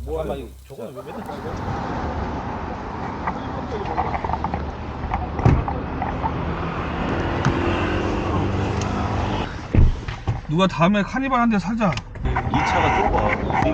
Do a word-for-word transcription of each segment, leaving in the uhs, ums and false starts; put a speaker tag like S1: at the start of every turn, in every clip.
S1: 잠깐만 이거 저거는 왜 맨날 찍어?
S2: 누가 다음에 카니발 한 대 사자.
S1: 이 차가 좁아.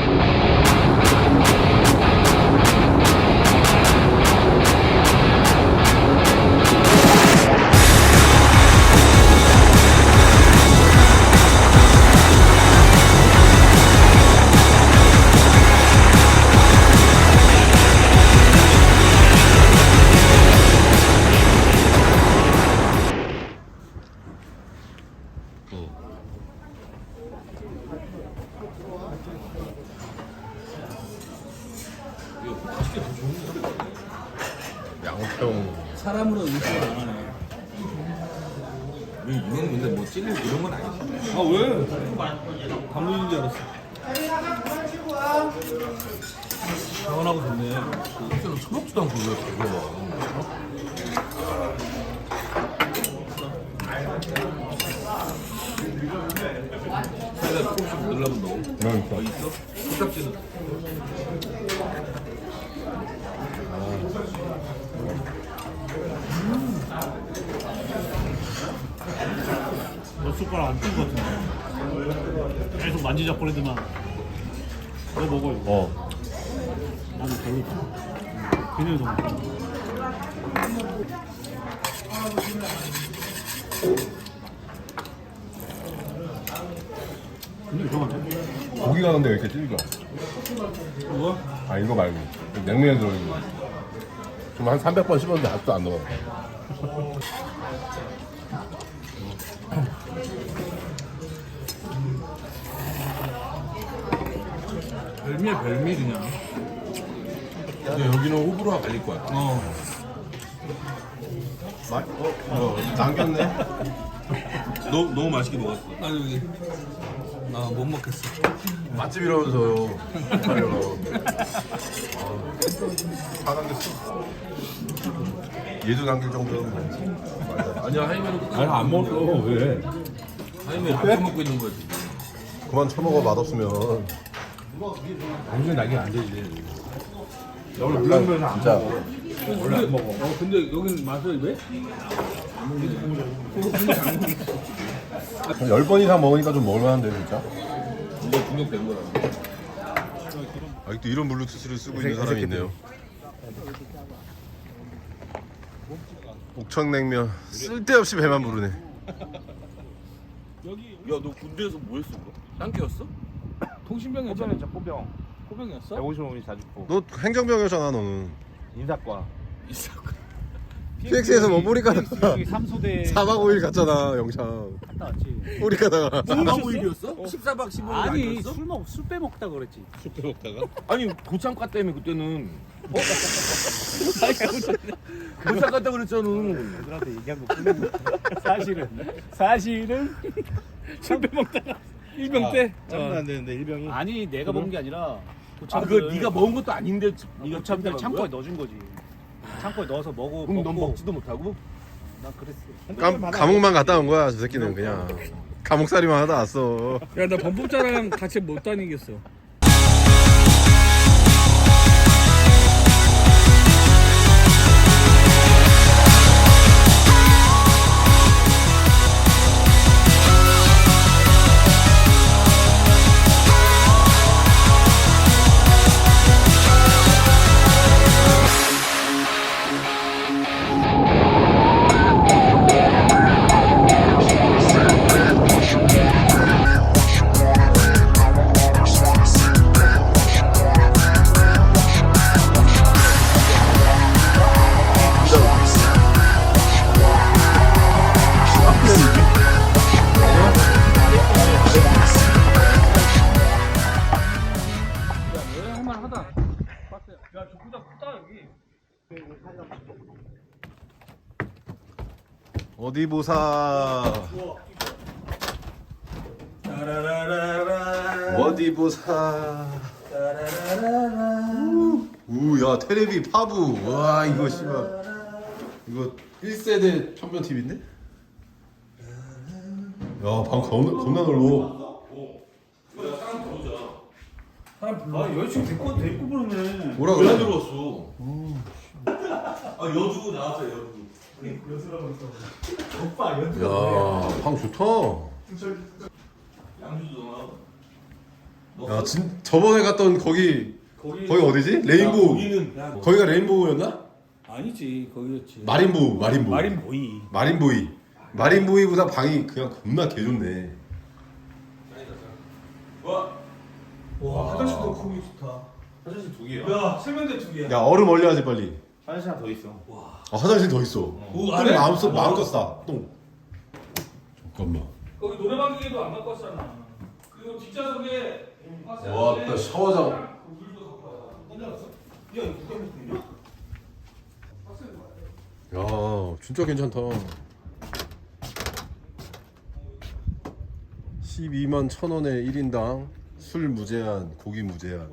S3: 양평
S1: 사람으로 의식을 안 하네. 이건 근데 뭐 찔릴 이런 건 아니지.
S2: 아 왜? 감독인 줄 알았어.
S1: 시원하고 좋네.
S3: 실제로 처먹지도 않고 왜 그거
S1: 사이다 조금씩 늘려본다고?
S3: 그러니까
S1: 어, 있어? 코딱지는?
S4: 너 숟가락 안 뜬 것 같은데 계속 만지작거리더만. 너 먹어 이거.
S3: 어
S4: 나는 별로다. 그냥 좀 근데 이상한데?
S3: 고기가 근데 왜 이렇게 질겨?
S4: 이거?
S3: 아 이거 말고 냉면에 들어있는 거 지금 한 삼백 번 씹었는데 아직도 안 넣어.
S2: 별미야 별미 그냥.
S3: 근데 여기는 호불호가 갈릴 거야.
S2: 어.
S3: 마, 어, 어 남겼네.
S1: 너, 너무 맛있게 먹었어.
S2: 나 여기 나못 먹겠어.
S3: 맛집이라면서요. 하려고. 다 남겼어. 얘도 남길 정도는 뭐. 맞아.
S1: 아니야, 하이면은 끝까지.
S2: 아니 안 먹어 왜?
S1: 하이면 이렇게 먹고 있는 거지.
S3: 그만 처먹어 맛없으면.
S2: 당연히 나긴 안 되지. 원래 물냉면에서 안
S3: 진짜.
S2: 먹어. 원래 안 먹어. 어 근데 여기는 맛을 왜?
S3: 한 열 번 이상 먹으니까 좀 먹을만한데 진짜.
S1: 이제 중독된 거야.
S3: 아직도 이런 블루투스를 쓰고 있는 사람이 있네요. 옥천냉면 쓸데없이 배만 부르네.
S1: 야, 너 군대에서 뭐 했어, 그거? 땅개였어?
S2: 통신병이었잖아.
S5: 포병이었죠, 포병.
S2: 포병이었어?
S5: 백오십오 밀리미터 자주포.
S3: 너 행정병이었잖아 너는.
S5: 인사과.
S1: 있었고.
S3: 피엑스에서 뭐 뿌리 가다가
S5: 여기 삼소대
S3: 사박 오 일 갔잖아 영창.
S5: 갔다 왔지.
S3: 뿌리 가다가.
S1: 사박 오 일이었어? 십사 박 십오 일
S5: 아니
S1: 아니었어?
S5: 술 먹, 술 빼먹다 그랬지.
S1: 아니, 고창과 때문에 그때는. 어? 고창과 때 그랬잖아.
S5: 애들한테 얘기한 거 뿐인데 사실은 사실은
S4: 술 빼먹다가 일병 때.
S5: 짬도 안 되는데 일병이. 아니 내가 먹은 게 아니라
S1: 아,
S5: 고참들
S1: 그거 네가 먹은 것도 아닌데 네가
S5: 고참들
S1: 참대
S5: 창고에 넣어준 거지. 창고에 넣어서 먹어.
S1: 그럼 넌
S5: 먹고.
S1: 먹지도 못하고?
S5: 난 그랬어.
S3: 감, 감옥만 갔다 온 거야 저 새끼는 그냥. 감옥살이만 하다 왔어.
S4: 야 나 범법자랑 같이 못 다니겠어.
S3: 어디 보사. 어디 보사. 우야 테레비 파부. 와 이거 씨발 이거 일 세대 평면 티비인데? 야 방 겁나 겁나 넓어.
S2: 사람 불러.
S5: 아 여자친구 데리고 데리고 부르네.
S3: 뭐라
S1: 왜
S3: 그래?
S1: 들어왔어? 아 여주 나왔어요 여주.
S5: 오빠 연주.
S3: 야, 방 좋다.
S1: 양주도
S3: 야, 진 저번에 갔던 거기
S2: 거기
S3: 거기 어디지? 레인보우.
S1: 거기는 야,
S3: 거기가 레인보우였나?
S2: 아니지 거기였지.
S3: 마린보우, 마린보우.
S5: 마린 보이.
S3: 마린보이. 마린보이보다 방이 그냥 겁나 개 좋네.
S1: 와
S2: 와 화장실도 거기 좋다.
S1: 화장실 두 개야.
S2: 야 세면대 두 개야.
S3: 야, 얼음 얼려야지 빨리.
S1: 화장실 하나 더 있어.
S3: 아, 화장실 더 있어.
S2: 오,
S3: 똥
S2: 안에?
S3: 마음껏 마음껏 싸. 똥. 잠깐만.
S2: 거기 노래방 기계도 안 갖고 왔잖아. 그리고 뒷좌석에
S3: 와, 나 샤워장.
S2: 물도 갖고 와. 야 이거 누가 먹고 있냐?
S3: 야, 진짜 괜찮다. 십이만 천 원에 일 인당 술 무제한, 고기 무제한.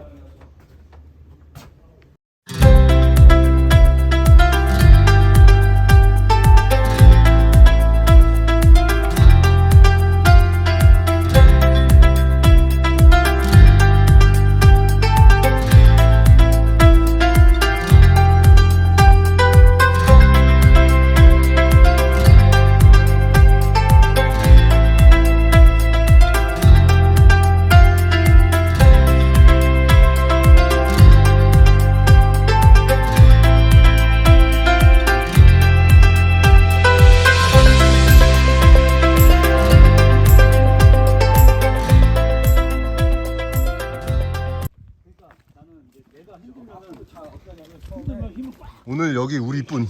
S3: 오늘 여기 우리뿐.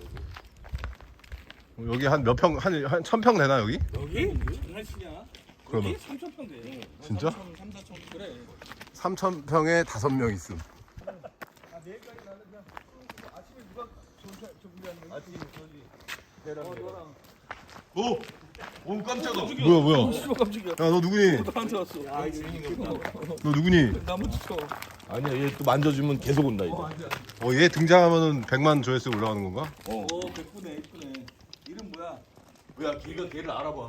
S3: 여기 한 몇 평, 한, 한 천 평 되나 여기?
S4: 여기? 장난치냐?
S3: 그러면
S4: 여기 삼천 평 돼.
S3: 진짜?
S4: 삼, 사천 그래.
S3: 삼천 평에 다섯 명 있음.
S1: 오, 오 깜짝아.
S3: 뭐야 뭐야?
S4: 씨발 깜짝이야.
S3: 야, 너 누구니?
S4: 나한테 왔어.
S3: 너 누구니?
S4: 나무 쳐.
S1: 아니야 얘 또 만져주면 계속 온다 이제.
S3: 어, 얘 등장하면은 백만 조회수 올라가는 건가?
S4: 오, 예쁘네, 예쁘네. 이름 뭐야?
S1: 야 걔가 걔를 알아봐.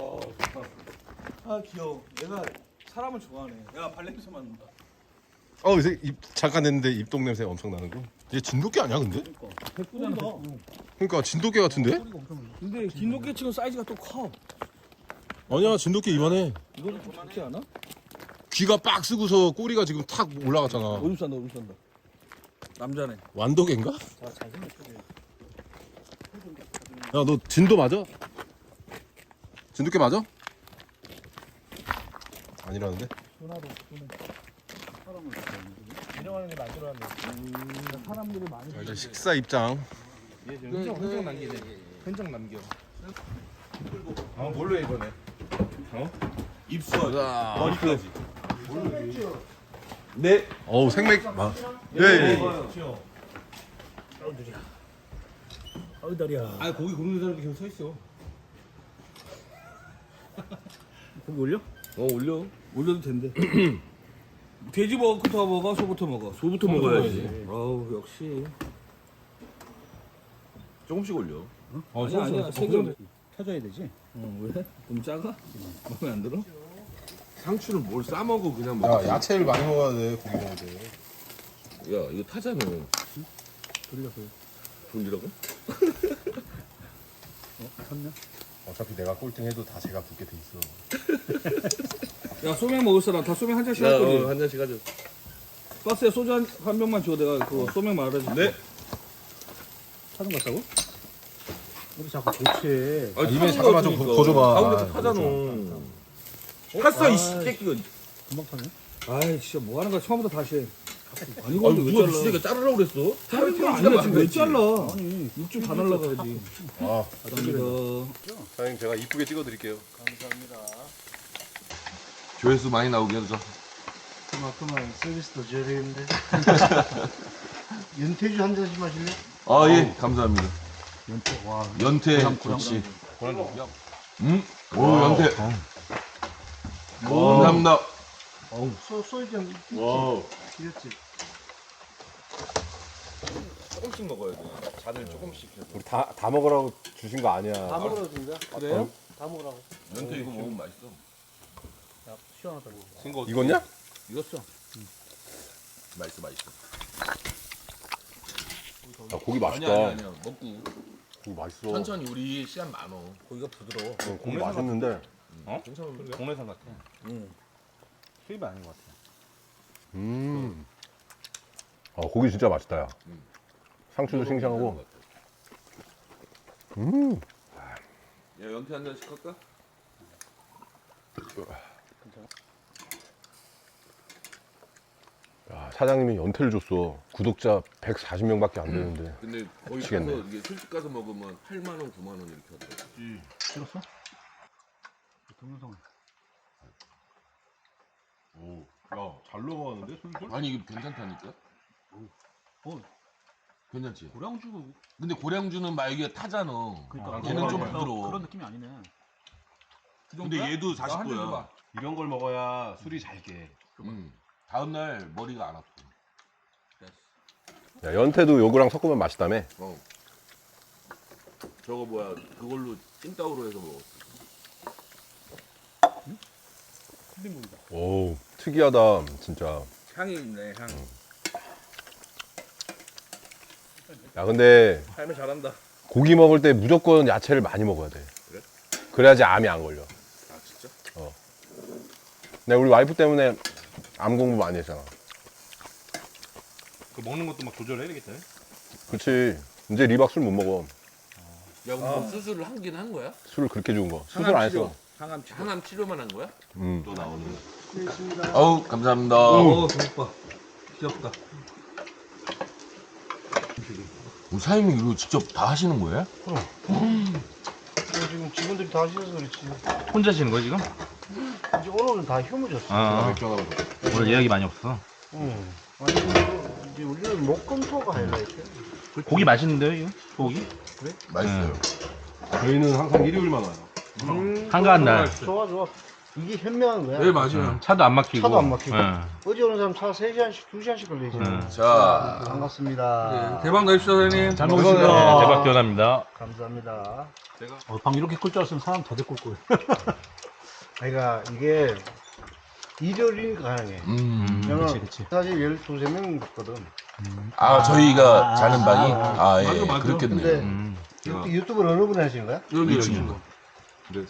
S4: 아 귀여워. 얘가 사람을 좋아하네. 야 발냄새 맡는다.
S3: 어, 이제 입 잠깐 했는데 입동 냄새 엄청 나는 거. 얘 진돗개 아니야 근데?
S4: 백구잖아.
S3: 그러니까 진돗개 같은데?
S4: 근데 긴도끼 치고 사이즈가 또 커.
S3: 아니야, 진돗개 이만해.
S4: 이거는 좀 작지 않아?
S3: 귀가 빡 쓰고서 꼬리가 지금 탁 올라갔잖아.
S4: 오줌 싼다, 오줌 싼다. 남자네.
S3: 완도개인가? 야, 너 진도 맞아? 진돗개 맞아? 아니라는데?
S5: 인정하는 게 만들어놨네.
S4: 사람들이 많이.
S3: 자, 이제 식사 입장.
S1: 흔적 흔적 남기네. 흔적 남겨. 아 뭘로 해 이번에? 어? 입수하기. 머리까지. 네.
S3: 어우, 생맥. 아. 예, 예.
S5: 어우 다리야.
S1: 아 고기 굽는 사람이 계속 서 있어.
S5: 고기 올려?
S1: 어 올려.
S4: 올려도 된대. 돼지부터 먹어, 소부터 먹어.
S1: 소부터 먹어야지.
S4: 아우 역시.
S1: 조금씩 올려.
S4: 어, 아니야 아니야. 세개
S5: 터져야 되지.
S4: 어 왜? 너무 작아? 마음에 안 들어?
S1: 상추를 뭘 싸 먹어 그냥
S3: 야,
S1: 먹어.
S3: 야채를 많이 먹어야 돼, 고기 먹을 때.
S1: 야 이거 타잖아.
S5: 돌려서요.
S1: 돌리라고?
S5: 어? 탔냐?
S3: 어차피 내가 꼴등 해도 다 제가 붙게 돼 있어.
S4: 야 소맥 먹을 사람 다 소맥 한 잔씩 할
S1: 야,
S4: 거지.
S1: 어, 한 잔씩 하자.
S4: 박스에 소주 한, 한 병만 줘. 내가 그거 소맥 말아줄게.
S1: 네.
S5: 타는 거 같다고? 우리 자꾸 교체해.
S1: 아,
S3: 입에 잠깐만 좀 더 줘봐.
S1: 가운데
S3: 아,
S1: 타잖아. 탔어 이씨 새끼가.
S5: 금방 타네.
S4: 아이 진짜 뭐 하는 거야. 처음부터 다시 해. 아니
S1: 아
S4: 근데 왜
S1: 누가
S4: 잘라?
S1: 미친애가 자르라고 그랬어?
S4: 자를 거 아니야. 지금 왜 잘라?
S5: 아니
S4: 육즙 다 날라가야지.
S3: 아,
S4: 감사합니다.
S3: 사장님 제가 이쁘게 찍어 드릴게요.
S1: 조회수 많이 나오게 해줘.
S6: 그만큼만 서비스 더 줘야 되겠는데. 윤태주 한 잔씩 마실래?
S1: 아 예 감사합니다.
S6: 윤태 와.
S1: 연태 역시. 응? 오 연태. 감사합니다.
S6: 소 소주 한 잔.
S1: 와.
S6: 귀엽지.
S1: 조금씩 먹어야 돼. 잔을 조금씩 해서.
S3: 우리 다, 다 먹으라고 주신 거 아니야.
S6: 다 먹으라고 준다.
S4: 그래요?
S6: 다 먹으라고.
S1: 연태 이거 먹으면 맛있어.
S6: 야, 시원하다.
S1: 생거
S3: 익었냐?
S4: 익었어.
S1: 맛있어 맛있어.
S3: 야, 고기 맛있다.
S1: 아니야 아니야 아니야. 먹고
S3: 고기 맛있어.
S1: 천천히 우리 시간 많어.
S4: 고기가 부드러워.
S3: 어, 고기 맛있는데.
S5: 어?
S1: 괜찮은데?
S5: 동네산 같아.
S4: 응.
S5: 수입이 아닌 것 같아.
S3: 음. 아, 고기 진짜 맛있다, 야.
S1: 음.
S3: 상추도 싱싱하고. 음.
S1: 야 연태 한 잔씩 할까?
S3: 야, 사장님이 연태를 줬어. 구독자 백사십 명밖에 안 되는데.
S1: 근데 거기
S3: 미치겠네.
S1: 가서 이게 술집 가서 먹으면 팔만 원, 구만 원 이렇게 하더라고.
S5: 찍었어? 동영상.
S3: 오, 야, 잘 넘어가는데, 술술?
S1: 아니 이게 괜찮다니까?
S5: 어.
S1: 괜찮지?
S5: 고량주.
S1: 근데 고량주는 막 이게 타잖아.
S5: 그러니까.
S1: 얘는 좀
S5: 그런-
S1: 부드러워.
S5: 그런 느낌이 아니네.
S1: 근데 얘도
S4: 나한잔
S1: 사십 도야.
S4: 줘봐.
S3: 이런 걸 먹어야 술이 잘 깨.
S1: 음. 다음날 머리가 안 아파.
S3: 야, 연태도 요거랑 섞으면 맛있다며?
S1: 어. 저거 뭐야 그걸로 찐따오로 해서 먹어.
S3: 오, 특이하다, 진짜.
S4: 향이 있네, 향.
S3: 야, 근데
S4: 삶을 잘한다.
S3: 고기 먹을 때 무조건 야채를 많이 먹어야 돼.
S1: 그래?
S3: 그래야지 암이 안 걸려.
S1: 아 진짜?
S3: 내가 우리 와이프 때문에 암 공부 많이 했잖아.
S5: 그 먹는 것도 막 조절해야 되겠다.
S3: 그치. 이제 리박 술 못 먹어.
S1: 야 그럼 뭐 수술을 하긴 한 거야?
S3: 술을 그렇게 좋은 거. 수술 안 했어.
S4: 항암 치료.
S1: 항암 치료만 한 거야?
S3: 음.
S1: 또 나오는.
S6: 알겠습니다.
S1: 어우 감사합니다.
S4: 오, 오빠. 귀엽다.
S1: 우리 사장님이 이거 직접 다 하시는 거예요?
S6: 지금 직원들이 다 하셔서 그렇지.
S5: 혼자 하시는 거야 지금?
S6: 이제 오늘은 다 휴무졌어.
S5: 아,
S3: 맥주 하나 더.
S5: 오늘 예약이 많이 없어.
S6: 응. 아니 이거 이제 우리는 목금토가 하이라이트.
S5: 고기 맛있는데요 이거? 고기?
S1: 맛있어요.
S3: 저희는 항상 일요일만 와요.
S6: 음,
S5: 한가한 날.
S6: 좋아 좋아. 이게 현명한 거야.
S1: 네 맞아요.
S5: 차도 안 막히고.
S6: 차도 안 막히고.
S5: 응.
S6: 어제 오는 사람 차 세 시간씩 두 시간씩 걸리지.
S5: 응.
S1: 자
S6: 반갑습니다.
S4: 대박 나십시오, 사장님.
S5: 잘
S6: 먹겠습니다.
S5: 먹겠습니다. 네, 대박 기원합니다.
S6: 감사합니다.
S5: 어, 방 이렇게 끌 줄 알았으면 사람 더 데리고 올 거예요.
S6: 그러니까 이게 일요일이니까 가능해.
S1: 음.
S6: 저는
S5: 그치, 그치.
S6: 사실 열두 세 명 있거든.
S1: 아 저희가 자는 방이
S6: 아,
S1: 아예
S5: 맞아, 맞아.
S1: 그렇겠네요.
S6: 근데
S5: 음.
S6: 유- 유튜브를 어느 분이 하시는 거야?
S1: 여기 여기.
S3: 근데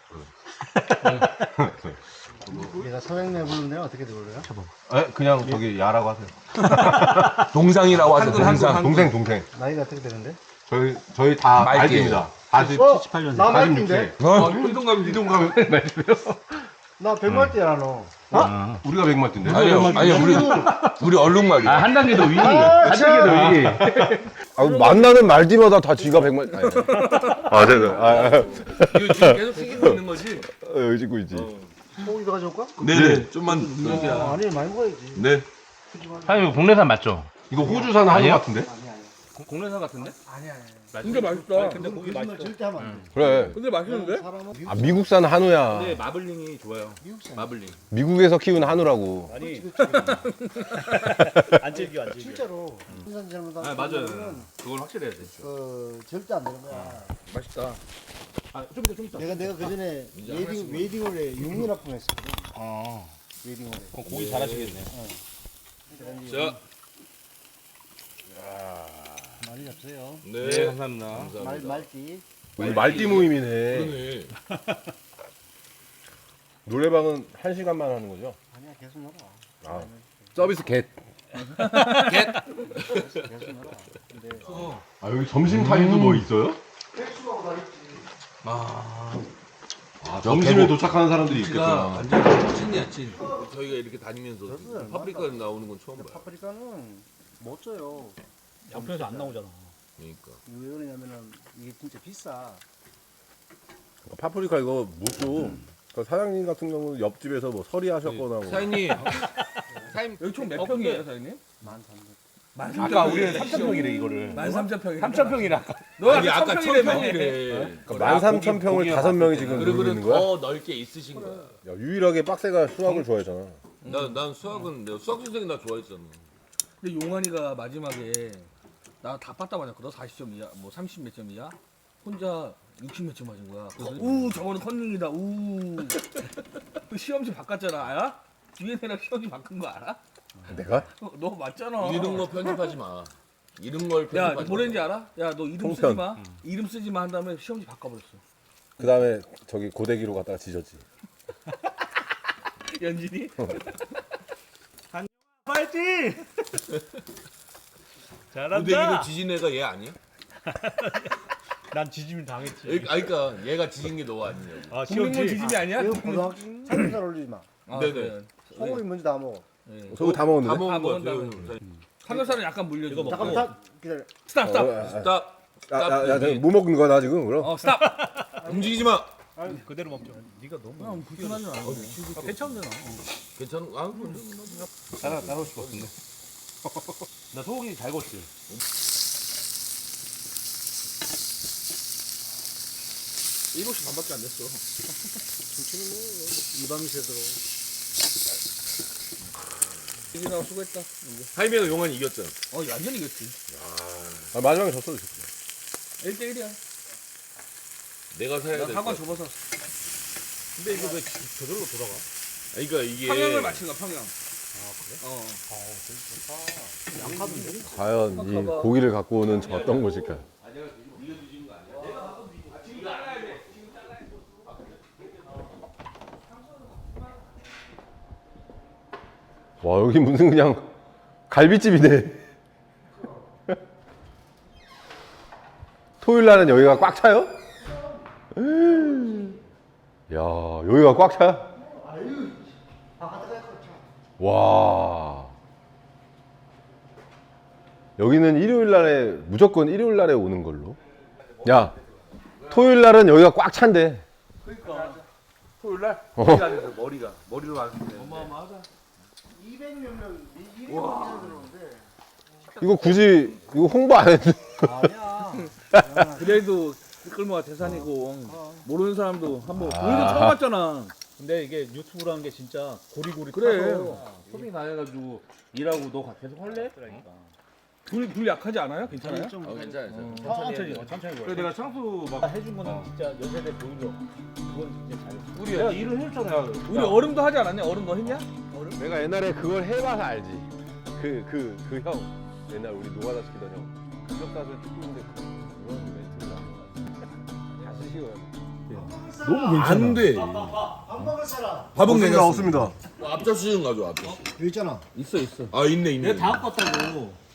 S6: 내가 사장님 부르는데 어떻게 들어요?
S3: 에? 그냥 저기 야라고 하세요.
S1: 동상이라고 하죠.
S4: 한글, 한글,
S1: 동상.
S4: 한글.
S3: 동생, 동생.
S6: 나이가 어떻게 되는데?
S3: 저희, 저희 다
S1: 말띠예요.
S3: 말띠입니다. 사십,
S6: 어?
S5: 칠십팔 년생.
S6: 나 말띠인데?
S1: 어?
S4: 운동감이
S3: 이동가면
S6: 나 백말띠야 너.
S5: 아,
S3: 우리가 백마띠인데?
S1: 아니요 아니요 우리 우리 얼룩말이요.
S5: 아, 한 단계 더 위.
S6: 아,
S5: 한 단계 더 위.
S3: 아, 만나는 말띠마다 다 지가 백마띠. 아니. 아, 네네. 아, 아,
S1: 이거 지금 계속 튀기고 있는 거지?
S3: 어, 여기 찍고 있지.
S6: 소고기도 가져올까?
S1: 네네. 좀만.
S6: 어, 아니 많이 먹어야지.
S1: 네.
S5: 사장님 이거 국내산 맞죠?
S3: 이거 호주산 한우
S5: 아니요?
S3: 같은데?
S4: 공내사 같은데?
S6: 아니 아니.
S4: 근데 맛있다.
S5: 근데 고기
S6: 거짓말 절대 하면 안 돼.
S3: 그래.
S4: 근데 맛있는데?
S6: 사람은
S3: 아, 미국산 한우야.
S5: 근데 마블링이 좋아요.
S6: 미국산.
S1: 마블링.
S3: 미국에서 키운 한우라고.
S5: 아니,
S6: 그렇지, 그렇지.
S5: 안 즐겨, 안 즐겨.
S6: 실제로 생산 잘못하면
S5: 아, 맞아요. 그걸 확실해야 돼.
S6: 그 절대 안 되는 거야.
S4: 맛있다.
S5: 아, 좀 이따, 좀 이따.
S6: 내가 내가 그 전에 웨딩 웨딩홀에 육류 납품 했었거든.
S5: 아,
S6: 웨딩홀에.
S5: 그럼 고기 잘하시겠네.
S1: 자.
S6: 많이 없어요.
S1: 네.
S5: 네, 감사합니다.
S6: 말
S1: 감사합니다.
S6: 말띠.
S3: 우리 말띠 모임이네.
S1: 그러네.
S3: 노래방은 한 시간만 하는 거죠?
S6: 아니야 계속 놀아.
S3: 아, 서비스 겟.
S6: 계속 놀아. 근데
S3: 아, 여기 점심 타임도 뭐 있어요?
S6: 백수하고 다 있지.
S3: 아,
S1: 저
S3: 점심에
S1: 배고-
S3: 도착하는 사람들이
S1: 우리가
S3: 있겠구나.
S1: 완전 찐이야 찐. 저희가 이렇게 다니면서
S6: 그렇습니다.
S1: 파프리카 나오는 건 처음 봐요.
S6: 파프리카는 못 줘요.
S5: 양평에서 안 나오잖아.
S1: 그러니까.
S6: 왜 그러냐면은 이게 진짜 비싸.
S3: 파프리카 이거 못 줘. 그러니까 사장님 같은 경우는 옆집에서 뭐 서리하셨거나 뭐.
S1: 사장님. 사장님
S4: 여기 총 몇 평이에요, 사장님?
S6: 만 삼백.
S4: 만
S5: 아까 우리는 삼천 평이래 이거를.
S4: 만 삼천 평이.
S5: 삼천 평이래 아까.
S4: 너
S1: 아니 아까 천
S4: 평이래.
S1: 평이래.
S3: 그러니까 만 삼천 평을 다섯 명이 지금 누리고
S1: 그러면
S3: 있는 거야?
S1: 더 넓게 있으신 거야.
S3: 야, 유일하게 빡세가 수학을 좋아했잖아.
S1: 난, 난 수학은 내가 수학 선생님 나 좋아했잖아.
S4: 근데 용환이가 마지막에 나 다 빠따 맞았거든. 너 사십 점이야, 뭐 삼십 몇 점이야. 혼자 육십 몇 점 맞은 거야. 그래서 우 저거는 컨닝이다. 우. 그 시험지 바꿨잖아, 아야? 디엔에이랑 시험지 바꾼 거 알아?
S3: 내가?
S4: 어, 너 맞잖아.
S1: 이런 거 편집하지 마. 이런 걸
S4: 야,
S1: 편집하지
S4: 뭐랬는지
S1: 마.
S4: 알아? 야, 너 이름 쓰지
S3: 통편.
S4: 마. 이름 쓰지 마 한 다음에 시험지 바꿔버렸어.
S3: 그 다음에 저기 고데기로 갖다가 지졌지.
S4: 연진이?
S5: 파이팅! 잘한다.
S1: 고데기로 지진 애가 얘 아니야?
S5: 난 지짐 당했지.
S1: 얘- 아니 그러니까 얘가 지진 게 너 아니냐고.
S5: 아
S4: 국민물
S5: 시험지.
S4: 지짐이 아니야?
S6: 이거 고등학생 삼겹살 올리지 마.
S4: 아,
S1: 네네.
S4: 그래.
S6: 소고기 먼저 다 먹어.
S4: 네.
S3: 저거 다
S1: 다
S3: 먹었는데?
S1: 먹은
S4: 다
S1: 거야.
S4: 먹은 다음에. 삼겹살은 약간 물려줘.
S5: 이거 먹고.
S6: 잠깐 딱 기다려.
S4: 스탑, 스탑.
S3: 어,
S1: 스탑.
S3: 야, 야, 야,
S1: 스탑.
S3: 뭐 먹는 거야 나 지금 그럼?
S4: 어, 스탑.
S1: 움직이지 마.
S5: 그대로 먹죠. 네가 너무
S4: 형 불편하지 않아.
S5: 아, 괜찮잖아.
S1: 괜찮아? 아,
S5: 따라 따라올 수가 없는데. 나 소고기 잘 구웠지.
S4: 일곱 시 반밖에 안 됐어.
S6: 이 밤이 새도록.
S4: 이기나 수고했다.
S1: 하이메가 용환이 이겼잖아.
S4: 어, 완전히 이겼지.
S3: 아, 마지막에 졌어 졌어.
S4: 일 대 일이야.
S1: 내가 사야
S4: 나
S1: 될
S4: 사과
S1: 거.
S4: 접어서
S5: 근데 이거 왜 저절로 돌아가?
S1: 그러니까 이게
S4: 평양을 맞춘 거야, 평양. 아, 그래? 어.
S3: 과연 이 고기를 갖고 오는 저 어떤 것일까요? 와 여기 무슨 그냥 갈비집이네. 토요일 날은 여기가 꽉 차요? 야 여기가 꽉 차? 와 여기는 일요일 날에 무조건 일요일 날에 오는 걸로. 야 토요일 날은 여기가 꽉 찬대.
S4: 그러니까. 토요일 날?
S3: 어.
S4: 머리가 돼서 머리가. 머리로 왔을 때.
S5: 어마어마하다.
S6: 이백 몇 명, 이백 명 들어오는데.
S3: 이거 굳이 이거 홍보 안 해도.
S6: 아니야.
S4: 그래도 끌모가 대산이고 모르는 사람도 한번
S3: 아.
S4: 우리도 처음 왔잖아.
S5: 근데 이게 유튜브라는 게 진짜 고리고리
S4: 그래.
S5: 타서 소비 다 해가지고 일하고 너 계속 할래? 그러니까.
S4: 불, 불 약하지 않아요? 괜찮아요?
S1: 어, 괜찮아. 괜찮아.
S5: 천천히 해, 천천히
S2: 그래
S5: 해.
S2: 내가 창수 막
S5: 해준 거는 진짜 연세대 보일러. 그건 진짜 잘했어.
S2: 우리
S5: 내가 일을 해줬잖아.
S4: 우리 얼음도 하지 않았냐? 얼음 너 했냐? 얼음?
S3: 내가 옛날에 그걸 해봐서 알지. 그 그 그 형 옛날 우리 노가다 시키던 형 기억사를 찍고 있는데 그런 멘트를 하는 거 다시 쉬워요.
S1: 너무 괜찮아. 안 돼.
S6: 밥 먹을 사람.
S1: 밥은 괜찮습니다.
S3: 없습니다.
S1: 앞접시 좀 가져. 앞접시.
S6: 여기 있잖아.
S4: 있어 있어.
S1: 아 있네 있네.
S5: 내가 다 갖고 왔다고.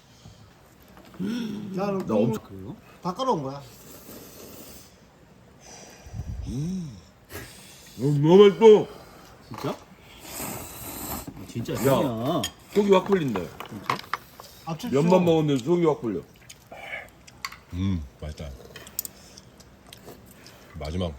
S6: 나는
S1: 나 엄청
S5: 그래요?
S6: 바꿔놓은 거야.
S1: 너무 맛있어.
S5: 진짜? 진짜
S1: 야.
S5: 아니야.
S1: 속이 확 풀린다.
S6: 앞집
S1: 면만 먹었는데 속이 확 풀려.
S3: 음 맛있다. 마지막.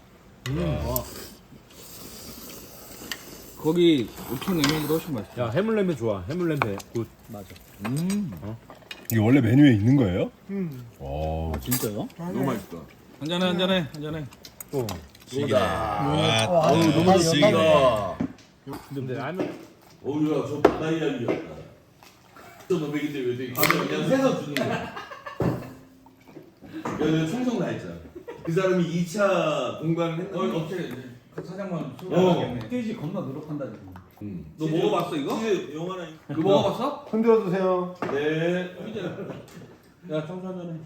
S4: 거기 우천 냉면보다 훨씬 맛있어.
S5: 야 해물냄새 좋아. 해물냄새 굿. 맞아.
S3: 이게 원래 메뉴에 있는 거예요?
S6: 음.
S3: 어.
S5: 진짜요?
S1: 너무 맛있다.
S4: 한잔해 한잔해 한잔해.
S5: 또.
S1: 아,
S6: 어우 너무
S1: 지가.
S5: 근데 라면
S1: 어우야 저 바다 이야기였다. 또 너백인데 왜 되게 그냥 새서 주는 거야. 야, 내가 청성 나 했잖아. 그 사람이 이 차 공간을 했는데
S4: 어떻게 사장만
S1: 어.
S5: 스테이지 겁나 노력한다 지금.
S1: 음.
S4: 너 먹어봤어 이거?
S1: 치즈 영화나
S4: 너 먹어봤어?
S3: 흔들어 주세요.
S1: 네.
S4: 야 청소 한잔해.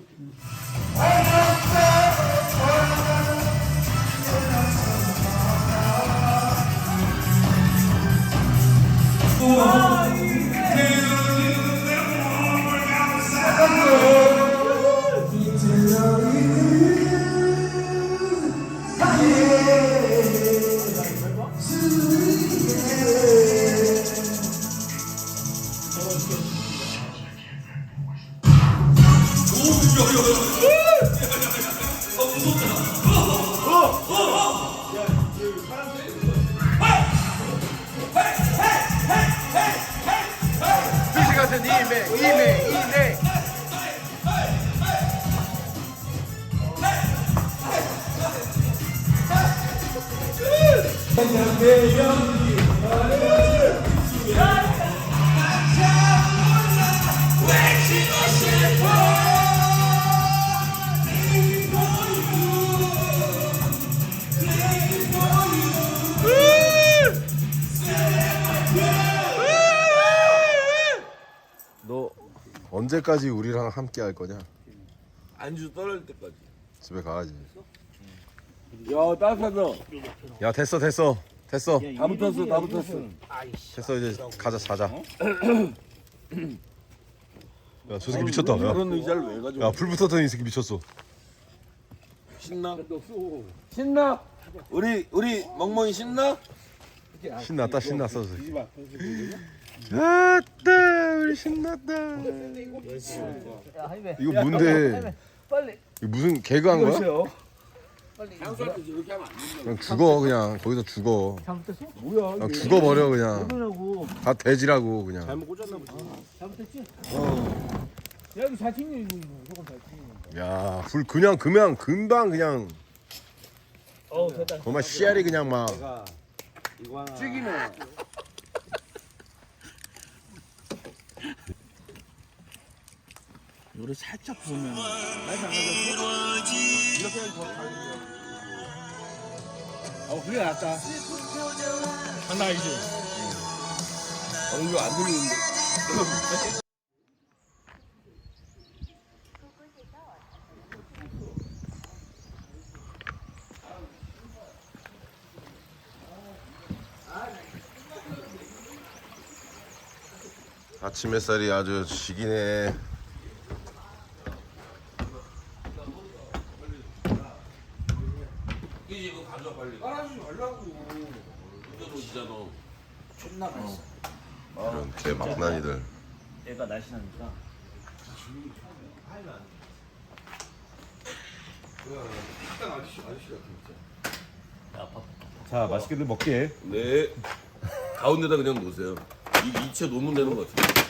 S6: 스시 같은 이메, 이메, 이메.
S1: 아!
S3: 너 언제까지 우리랑 함께 할 거냐?
S1: 안주 떨어질 때까지.
S3: 집에 가야지.
S1: 야 따뜻하다.
S3: 야 됐어 됐어 됐어
S1: 다 붙었어 다 붙었어.
S3: 됐어 이제 가자 자자. 야 저 새끼 미쳤다. 야,
S1: 그런 의자를 왜 가지고?
S3: 야 불 붙었더니 이 새끼 미쳤어.
S1: 신나? 신나? 우리 우리 멍멍이 신나?
S3: 신났다 신났어. 저 새끼. 아따 우리 신났다. 이거 뭔데? 이거 무슨 개그한 거야?
S1: 향수한테 이렇게 하면 안 된다.
S3: 그냥 죽어 그냥 거기서 죽어.
S5: 잘못됐어? 뭐야?
S3: 그냥 죽어버려 그냥.
S5: 그러냐고.
S3: 다 돼지라고 그냥.
S1: 잘못 꽂았나 보지.
S5: 잘못됐지? 어. 야 이거 잘 찍네 이거. 저건 잘 찍네.
S3: 야 불 그냥 그냥 금방 그냥
S5: 어 됐다.
S3: 정말 씨알이 그냥 막.
S6: 이거 하나.
S1: 찌기네.
S4: 이거를 살짝 부으면 맛이 안 나죠? 이렇게 해서 더 다른데. 어 그게 낫다. 장난 아니지?
S1: 엉겨 안 들리는데.
S3: 아침 햇살이 아주 지기네.
S1: 이제 이거 가져 빨리. 빨아주지 말라고. 이거 놓치잖아.
S4: 존나 맛있어.
S3: 이런 개 막난이들.
S4: 얘가 날씬하니까.
S6: 자 맛있게들 먹게.
S1: 네. 가운데다 그냥 놓으세요. 이 이체 놓으면 되는 것 같아요.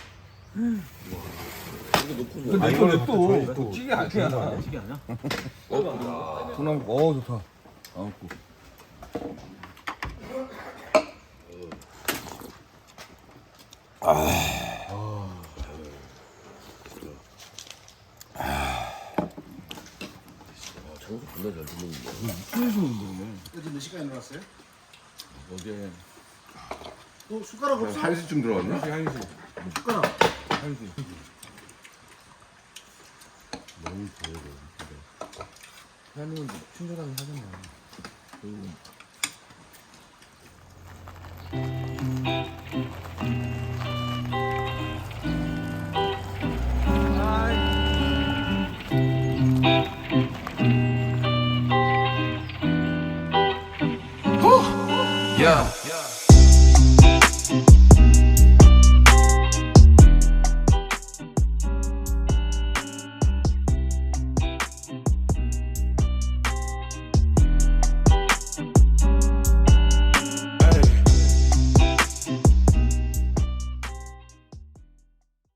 S1: 이거 놓고 뭐.
S6: 근데 이거 또 또.
S4: 찌개 아니야? 찌개 아니야?
S5: 동남 어 좋다.
S1: 장수 존나 잘 듣는데.
S6: 애들 몇 시까지 놀았어요?
S1: 어제
S6: 또 숟가락 없어?
S3: 한 시쯤 들어왔나?
S6: 숟가락.
S4: 대한민국 친절하게 하잖아.